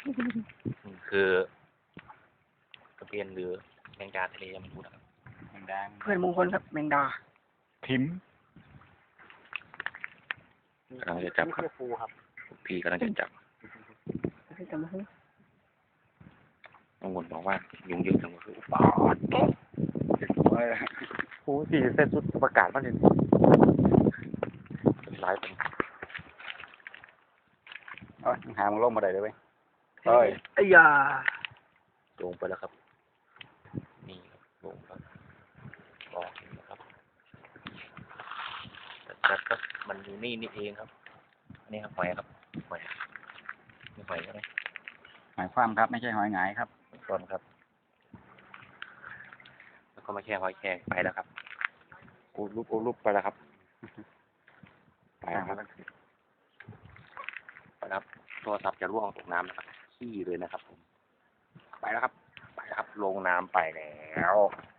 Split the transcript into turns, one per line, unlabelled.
คือกระเพียนหรือแมงดาทะเลยังไม่พูดครับแมงดา
เพื่อนมงคลครับแมงดา
พิมพ์กำลังจะจับครับพี่กำลังจะจับน้องวนบอกว่ายุงเยอะจังคืออุปาโอ้สี่เส้นสุดประกาศมาเลยหลายเป็น
หามึงลงมาได้เลยเว้ย
ไอ้ยา
ลงไปแล้วครับนี่ลงครับรอนะครับจัดครับมันอยู่นี่เองครับนี่ครับหอยครับหอยนี่หอยใช่ไหม
หอยคว่ำครับไม่ใช่หอยหงายครับ
ส่วนครับแล้วก็มาแช่หอยแครงไปแล้วครับโอ้รูปไปแล้วครับไปแล้วครับไปครับโทรศัพท์จะร่วงตกน้ำนะครับขี้เลยนะครับผมไปแล้วครับลงน้ำไปแล้ว